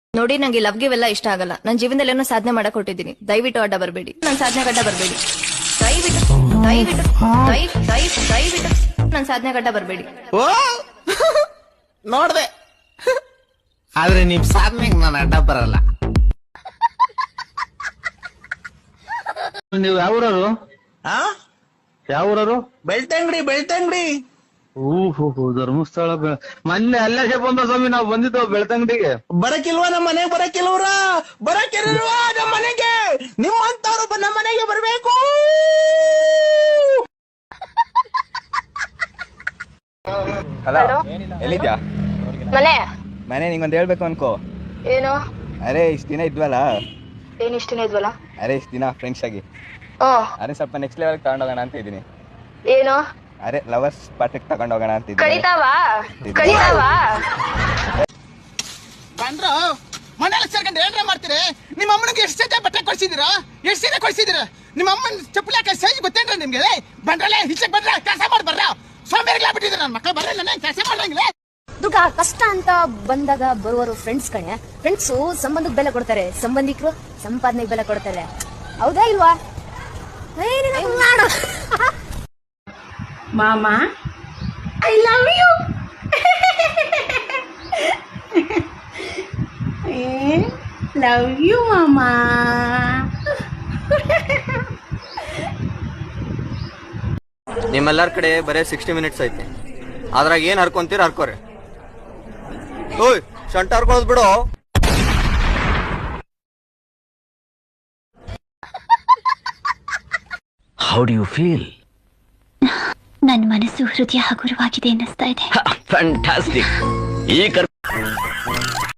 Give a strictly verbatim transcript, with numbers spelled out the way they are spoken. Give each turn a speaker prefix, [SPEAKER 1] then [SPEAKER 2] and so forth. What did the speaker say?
[SPEAKER 1] ನೋಡಿ ನಂಗೆ love give ಎಲ್ಲ ಇಷ್ಟ ಆಗಲ್ಲ. ನನ್ನ ಜೀವನದಲ್ಲಿ ಏನೋ ಸಾಧನೆ ಮಾಡಕ್ ಹೊಟ್ಟಿದ್ದೀನಿ. ದಯವಿಟ್ಟು ಅಡ್ಡ ಬರಬೇಡಿ. ನನ್ನ ಸಾಧನೆ ಗಡ್ಡ ಬರಬೇಡಿ. ದಯವಿಟ್ಟು ದಯವಿಟ್ಟು ದಯ ದಯ ದಯವಿಟ್ಟು ನನ್ನ ಸಾಧನೆ ಗಡ್ಡ ಬರಬೇಡಿ.
[SPEAKER 2] ಓ ನೋಡ್ದೆ, ಆದ್ರೆ ನಿಮ್ ಸಾಧನೆಗೆ ನಾನು ಅಡ್ಡ ಬರಲ್ಲ.
[SPEAKER 3] ನೀವು ಯಾವ ಊರವರು?
[SPEAKER 2] ಆ
[SPEAKER 3] ಯಾವ ಊರವರು?
[SPEAKER 2] ಬೆಳ್ತಂಗಡಿ ಬೆಳ್ತಂಗಡಿ.
[SPEAKER 3] ಓಹೋ, ಧರ್ಮಸ್ಥಳ. ಮೊನ್ನೆ ಅಲ್ಲೇ ಬಂದ ಸ್ವಾಮಿ, ನಾವು ಬಂದಿದ್ದು ಬೆಳ್ತಂಗಡಿಗೆ.
[SPEAKER 2] ಬರಕಿಲ್ವಾ ನಮ್ಮ ಮನೆಗೆ? ಬರಕಿಲ್ವ್ರ ಬರಕಿಲ್ವಾ ನಮ್ಮ ಮನೆಗೆ? ನಿಮ್ಮಂತವ್ರು ನಮ್ಮ ಮನೆಗೆ ಬರ್ಬೇಕು.
[SPEAKER 4] ಹಲೋ, ಎಲ್ಲಿದ್ಯಾ?
[SPEAKER 1] ಮನೆ
[SPEAKER 4] ಮನೆ ನಿಂಗೊಂದು ಹೇಳ್ಬೇಕು ಅನ್ಕೋ.
[SPEAKER 1] ಏನು?
[SPEAKER 4] ಅರೆ ಇಷ್ಟು ದಿನ ಇದ್ವಲ್ಲ,
[SPEAKER 1] ಏನ್ ಇಷ್ಟ ದಿನ ಇದ್ವಲ್ಲ?
[SPEAKER 4] ಅರೆ ಇಷ್ಟು ದಿನ ಫ್ರೆಂಡ್ಸ್ ಆಗಿ, ಅರೆ ಸ್ವಲ್ಪ ನೆಕ್ಸ್ಟ್ ಲೆವೆಲ್ ತಗೊಂಡೋಗೋಣ ಅಂತ ಇದ್ದೀನಿ.
[SPEAKER 1] ಏನು?
[SPEAKER 4] ಅರೆ ಲವರ್ಸ್ ಪಾಠಕ್ಕೆ ತಗೊಂಡೋಗೋಣ ಅಂತ ಇದ್ದೀನಿ.
[SPEAKER 1] ಕಡಿತಾವಾ ಕಡಿತಾವಾ?
[SPEAKER 2] ಬಂದ್ರು ಮನೇಲಿ ಸೇರ್ಕೊಂಡು ಏನ್ರ ಮಾಡ್ತೀರಿ? ನಿಮ್ಮ ಅಮ್ಮನಿಗೆ ಎಷ್ಟು ಸತಿ ಬಟ್ಟೆ ಕೊಡ್ಸಿದಿರಾ? ಎಷ್ಟು ಸೀರೆ ಕೊಡ್ಸಿದಿರ? ನಿಮ್ಮ ಅಮ್ಮನ ಚಪ್ಪಲಿ ಹಾಕಿ ಸೈಜ್ ಗೊತ್ತೇನ್ರ ನಿಮ್ಗೆ? ಬಂದ್ರಲ್ಲೇ ಹಿಚ್ಚಕ್ ಬಂದ್ರ ಕೆಲಸ ಮಾಡಿ ಬರ್ರ. ಸೋಂಬೇರಿಗಳ ಬಿಟ್ಟಿದ್ರು ನನ್ನ ಮಕ್ಕಳು. ಬರಲ್ಲ ಕೆಲಸ ಮಾಡಂಗಿಲ್ಲ.
[SPEAKER 5] ದುಡ್ಡ ಕಷ್ಟ ಅಂತ ಬಂದಾಗ ಬರುವರು ಫ್ರೆಂಡ್ಸ್ ಕಣೆ. ಫ್ರೆಂಡ್ಸು ಸಂಬಂಧಕ್ಕೆ ಬೆಲೆ ಕೊಡ್ತಾರೆ, ಸಂಬಂಧಿಕರು ಸಂಪಾದನೆಗೆ ಬೆಲೆ ಕೊಡ್ತಾರೆ. ಹೌದಾ ಇಲ್ವಾ?
[SPEAKER 6] ಮಾಮಾ I love you. Love you ಮಾಮಾ.
[SPEAKER 7] ನಿಮ್ಮೆಲ್ಲರ ಕಡೆ ಬರೇ ಸಿಕ್ಸ್ಟಿ ಮಿನಿಟ್ಸ್ ಐತೆ. ಅದ್ರಾಗ ಏನ್ ಹರ್ಕೊಂತೀರ ಹರ್ಕೋರಿ. ಓಯ್ ಶಂಟ ಹರ್ಕೊಳ್ಳೋದ್ ಬಿಡು.
[SPEAKER 8] How do you feel?
[SPEAKER 9] ನನ್ನ ಮನಸ್ಸು ಹೃದಯ ಹಗುರವಾಗಿದೆ ಅನ್ನಿಸ್ತಾ ಇದೆ.
[SPEAKER 8] ಫ್ಯಾಂಟಾಸ್ಟಿಕ್. ಈ